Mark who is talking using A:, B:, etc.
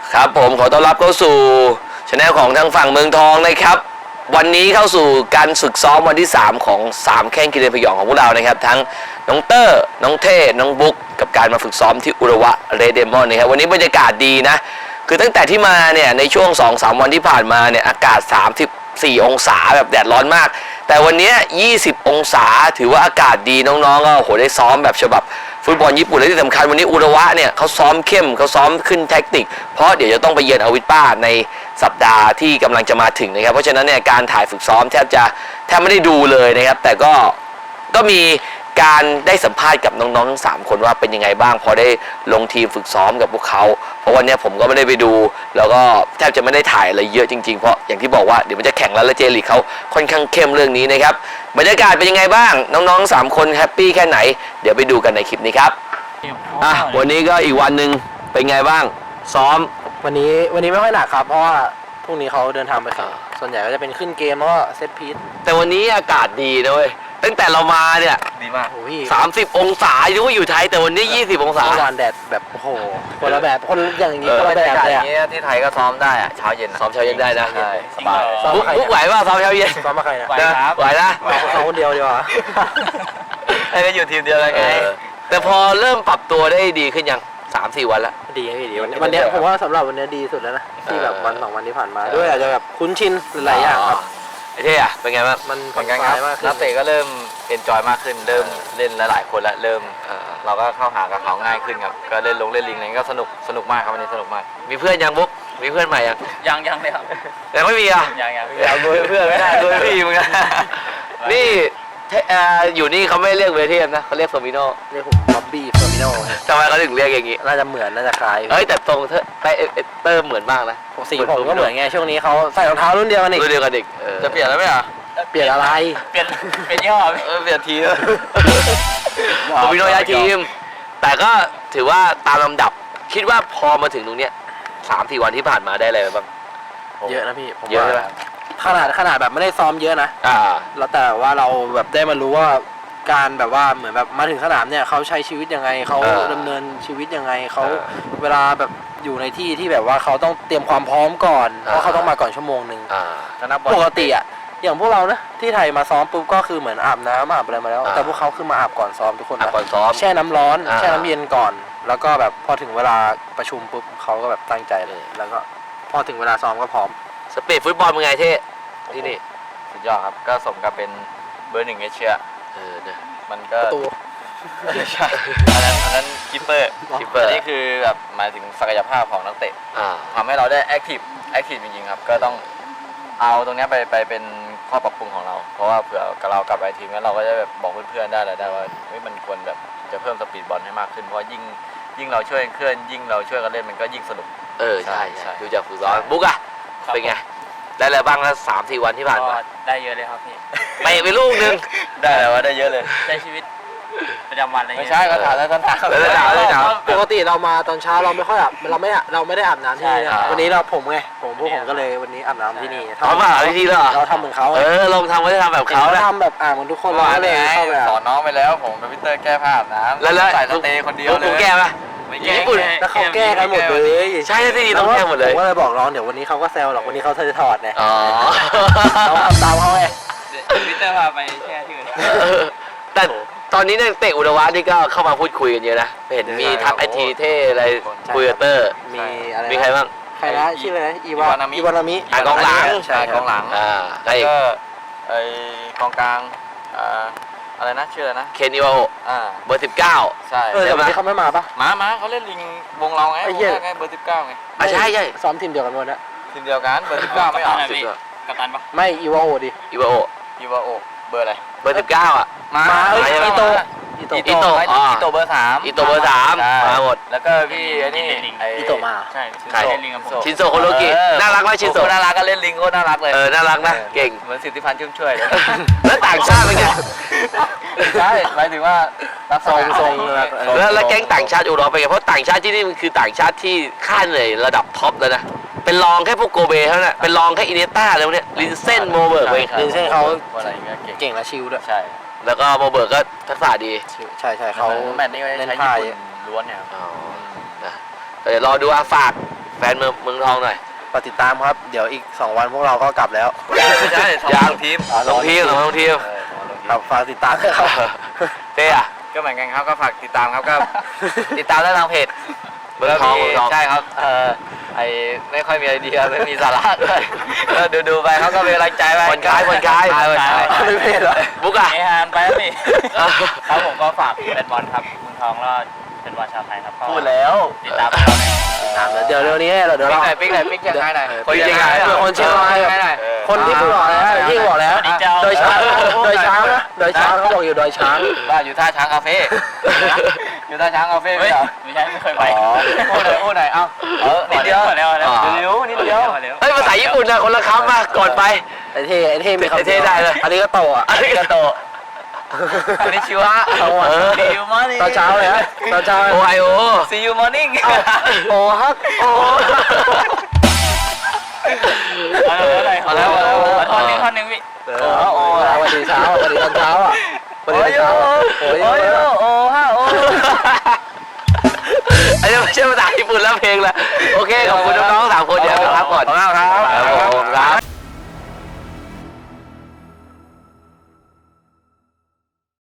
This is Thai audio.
A: ครับผมขอต้อนรับเข้าสู่ช anel ของทางฝั่งเมืองทองนะครับวันนี้เข้าสู่การฝึกซ้อมวันที่3ของ3แข้งกิเลนพยองของพวกเรานะครับทั้งน้องเตอร์น้องเท่น้องบุ๊กกับการมาฝึกซ้อมที่อุระวะเรดเดมอนนะครับวันนี้บรรยากาศดีนะคือตั้งแต่ที่มาเนี่ยในช่วง 2-3 วันที่ผ่านมาเนี่ยอากาศ34องศาแบบแดดร้อนมากแต่วันนี้20องศาถือว่าอากาศดีน้องๆก็โหได้ซ้อมแบบฉบับฟุตบอลญี่ปุ่นและที่สำคัญวันนี้อุระวะเนี่ยเขาซ้อมเข้มเขาซ้อมขึ้นแท็กติกเพราะเดี๋ยวจะต้องไปเยือนอวิสป้าในสัปดาห์ที่กำลังจะมาถึงนะครับเพราะฉะนั้นเนี่ยการถ่ายฝึกซ้อมแทบไม่ได้ดูเลยนะครับแต่ก็มีการได้สัมภาษณ์กับน้องๆทั้ง3คนว่าเป็นยังไงบ้างพอได้ลงทีมฝึกซ้อมกับพวกเขาเพราะวันนี้ผมก็ไม่ได้ไปดูแล้วก็แทบจะไม่ได้ถ่ายอะไรเยอะจริงๆเพราะอย่างที่บอกว่าเดี๋ยวมันจะแข่งแล้วและเจลีกเขาค่อนข้างเข้มเรื่องนี้นะครับบรรยากาศเป็นยังไงบ้างน้องๆ3คนแฮปปี้แค่ไหนเดี๋ยวไปดูกันในคลิปนี้ครับวันนี้ก็อีกวันหนึ่งเป็นไงบ้างซ้อม
B: วันนี้ไม่ค่อยหนักครับเพราะว่าพรุ่งนี้เขาเดินทางไปแข่งส่วนใหญ่ก็จะเป็นขึ้นเกมแล้วก็เซตพีซ
A: แต่วันนี้อากาศดีนะเว้ยตั้งแต่เรามาเนี่ย
C: ดีมาก
A: 30องศาอยู่ว่าอยู่ไทยแต่วันนี้20องศา
B: วันแดดแบบโอ้โหคนละแบบคนอย่างนี้คนละแบบเลย
C: อย่างนี้ที่ไทยก็ซ้อมได้อะเช้าเย็น
A: ซ้อมเช้าเย็นได้นะ
C: ใช่สบาย
A: บุ๊กไหวป่ะซ้อมเช้าเย็น
B: ซ้อมมาใครนะ
A: ไหวนะ
B: เขาคนเดียวดีกว่า
C: ให้ได้อยู่ทีมเดียวเลยไง
A: แต่พอเริ่มปรับตัวได้ดีขึ้นยัง3-4 วันแล้ว
B: ดีวันนี้ผมว่าสำหรับวันนี้ดีสุดแล้วนะที่แบบวัน2 วันที่ผ่านมาด้วยอาจจะแบบคุ้นชินหลายอย่างครับ
A: ไอ้เท่อะเป็นไงบ้าง
B: มัน
C: เหมือนกันครับนักเตะก็เริ่มเอนจอยมากขึ้นเริ่มเล่นหลายคนแล้วเริ่มเราก็เข้าหากับเขาง่ายขึ้นครับก็เล่นลิงอะไรก็สนุกมากครับวันนี้สนุกมาก
A: มีเพื่อนยังบุ๊กมีเพื่อนใหม่
C: ยังเลยครับ
A: ยังไม่มีอ่ะ
C: ยังดูเพื่อนไม่ได้ดูพี่มึงนะ
A: นี่อยู่นี่เขาไม่เรียกเวทีนะเขาเรียกโซมิโน
B: เรียกผมบ๊อบบี้โซมิโน
A: ทำไมเขาถึงเรียกอย่างงี้
B: น่าจะเหมือนน่าจะคล้าย
A: แต่ตรงเตอร์เหมือนมากนะ
B: สีผมก็เหมือนไงช่วงนี้เขาใส่รองเท้ารุ่นเดียวกันอีก
A: จะเปลี่ยนแล้วไหมอ่ะ
B: เปลี่ยนอะไร
C: เปลี่ยนยี่ห้อ
A: เปลี่ยนทีมโซมิโนย้ายทีมแต่ก็ถือว่าตามลำดับคิดว่าพอมาถึงตรงเนี้ย3-4 วันที่ผ่านมาได้อะไรบ้าง
B: เยอะนะพี่
A: เยอะไหม
B: ขนาดแบบไม่ได้ซ้อมเยอะนะแล้วแต่ว่าเราแบบได้มารู้ว่าการแบบว่าเหมือนแบบมาถึงสนามเนี่ยเขาใช้ชีวิตยังไงเขาดำเนินชีวิตยังไงเขาเวลาแบบอยู่ในที่ที่แบบว่าเขาต้องเตรียมความพร้อมก่อนเพราะเขาต้องมาก่อนชั่วโมงนึงปกติอะอย่างพวกเรานะที่ไทยมาซ้อมปุ๊บก็คือเหมือนอาบน้ำอาบอะไรมาแล้วแต่พวกเขาคือมาอาบก่อนซ้อมทุกคน
A: ก่อนซ้อม
B: แช่น้ำร้อนแช่น้ำเย็นก่อนแล้วก็แบบพอถึงเวลาประชุมปุ๊บเขาก็แบบตั้งใจเลยแล้วก็พอถึงเวลาซ้อมก็พร้อม
A: สปีดฟุตบอลเป็นไงเท่ที่นี่
C: สุดยอดครับก็สมกับเป็นเบอร์ 1เอเชีย
A: เนี่ย
C: มันก็ใช่อันนั้นคิปเปอร์นี่คือแบบหมายถึงศักยภาพของนักเตะทำให้เราได้แอคทีฟจริงๆครับก็ต้องเอาตรงนี้ไปเป็นข้อปรับปรุงของเราเพราะว่าเผื่อเรากลับไปทีมแล้วเราก็จะแบบบอกเพื่อนๆได้ว่ามันควรแบบจะเพิ่มสปีดบอลให้มากขึ้นเพราะยิ่งเราช่วยเคลื่อนยิ่งเราช่วยกันเล่นมันก็ยิ่งสนุก
A: ใช่ดูจากฝึกซ้อมบุ๊กอะเป็นไงได้อะไรบ้างแล้ว3-4 วันที่ผ่านมา
C: ได้เยอะเลยครับพี่
A: ไปลูกนึง
C: ได้แล้วว่าได้เยอะเลยใช้ชีวิตประจำวันอะไรเงี้ยไม่ใช่ก็ถามแล้ว
B: ปกติเรามาตอนเช้าเราไม่ค่อยอาบเราไม่ได้อาบน้ำที่นี่วันนี้พวกผมก็เลยวันนี้อาบน้ำที่นี่
A: ทำอาบที่นี่เหรอ
B: เราทำเหมือนเขา
A: ลองทำก็จะทำแบบเขา
B: ทำแบบเหมือนทุกคน
C: เราเลยสอนน้องไปแล้วผมกับพี่เตอร์แก้ผ้าอาบน้ำ
A: แล้ว
C: ใส่สเตย์คนเดียวเลย
A: ผมแก้ปะ
B: ญี่ปุ่นแล้วเขาแก้กันหมดเลย
A: ใช่ที่นี่ต้องแก้หมดเลย
B: ผมก็เลยบอกน้องเดี๋ยววันนี้เขาก็แซวหรอกวันนี้เขาจะถอดไงเราทำตามเขาไง
C: พี่เตอร์พาไปแช่ที่อื่น
A: แต่ตอนนี้เนี่ยเตะอุระวะนี่ก็เข้ามาพูดคุยกันเยอะนะเห็นมีทักไอทีเท่อะไรคุยกับเตอร์มีใครบ้าง
B: ใครนะชื่ออะไรอีวานามิ
A: กองหลัง
C: ใช่กองหลังแล้วก็ไอกองกลางอะไรนะชื่ออะไรนะ
A: เคนอิวาโอเบอร์19
C: ใช่
B: แต่วันนี้เขาไม่มาปะ
C: มาเขาเล่นลิงวงเราไงเบอร์19ไง
A: ใช่
B: ซ้อมทีมเดียวกันวันนี้
C: ทีมเดียวกันเบอร์19ไม่ออกกัปตันปะ
B: ไม่อีวาโอดิ
A: อีวาโอ
C: เบอร์อะไร
A: เบอร์19อ่ะ
B: มาอีโต
A: เบอร์3มาหมด
C: แล้วก็พี่นี่
B: อีโตมา
C: ใช่
A: ชินโซโคโรกิน่ารักไหมชินโซ
C: น่ารักก็เล่นลิงก็น่ารักเลย
A: น่ารักนะเก่ง
C: เหมือนสิทธิพันธ์ชุ่มช่วย
A: แล้วต่างชาติเป็นไง
C: ใช่หมายถึงว่ารับทรง
A: แล้วแก๊งต่างชาติอุดรเป็นไงเพราะต่างชาติที่นี่มันคือต่างชาติที่ค่าเหนื่อยระดับท็อปแล้วนะเป็นรองแค่พวกโกเบเท่านั้นเป็นรองแค่อินเนต้าแล้วเนี่ยลินเซนโมเบิร์ก
B: ลินเซนเขาเก่งและชิลด้วย
C: ใช่
A: แล้วก็โมเบิร์กก็ทักษะดี
B: ใช่เขา
C: แมตช์นี้ใช้ญี่ปุ่นล้วนเนี่ย
A: เดี๋ยวรอดูฝากแฟนเมืองทองหน่อย
B: ฝากติดตามครับ เดี๋ยวอีก 2 วันพวกเราก็กลับแล้ว
A: ไม่ใช่
C: ยั
A: ยัง
C: ทีม
A: ลงทีมลงทีม
B: ครับฝากติดตามด้วยครับ
A: เต้อะ
C: ก็เหมือนกันครับก็ฝากติดตามครับก็ ติดตามได้ทางเพจ
A: เมืองทองเมืองทอง
C: ใช่ครับไอไม่ค่อยมีไอเดียไม่มีสาระด้วยก็ดูไปเขาก็เป็นกำลังใจไป
A: คนคล้ายคนคล้าย
B: ไม่เพศเหรอ
A: บุ๊กอะ
C: เอฮานไปแล้วนี่
D: ครับผมก็ฝากเป็นบอลครับเมืองทองแล้วเป็นบอลชาวไทยครับก็
C: พูดแล้ว
D: ติดตามเราใน
B: ตามเดี๋ยวเร็วนี้เดี๋ยวเรา
C: ปิ๊กหน่อยปิ๊กยังไงหน่อย
A: คนเชียงราย
B: เพื่อคนเชียงรายแบบคนที่บอกแล้วที่บอกแล้วโดยช้างโดยช้างนะโดยช้างเขาบอกอยู่โดยช้าง
C: ว่าอยู่ท่าช้างคาเฟ่อยู่ท่าช้างคาเฟ่ไม่เหรอ
D: ไม่ใช่ไม่เคยไป
C: พูดหน่อยเอานิดเดียวนิดเดียวนิดเดียว
A: เฮ้ยภาษาญี่ปุ่นนะคนละคำมาก่อนไป
B: ไอ้เท่มีคำ
A: เท่ได้เลย
B: อันนี้ก็โตอ่ะ
A: อาริกาโต
C: อันนี้ชิวะ
B: เอาอ่ะ
C: See you morning
B: ตอนเช้าเลยฮะตอนเช้า
A: โอไฮโอ
C: See you morning
B: โอ้ฮักโอ้
D: เอาแล้วท่อนนึงพี่
B: โอ้วันดีเช้าวันดีตอนเช้าอ่ะวันดีตอนเช้าโอ้ย
C: โอ้ฮะโอ้
A: อันนี้ไม่ใช่ภาษาญี่ปุ่นแล้วเพลงละโอเคขอบคุณน้องๆ3 คนเดี๋ยวไปพักก่อน
C: ขอบคุณครับ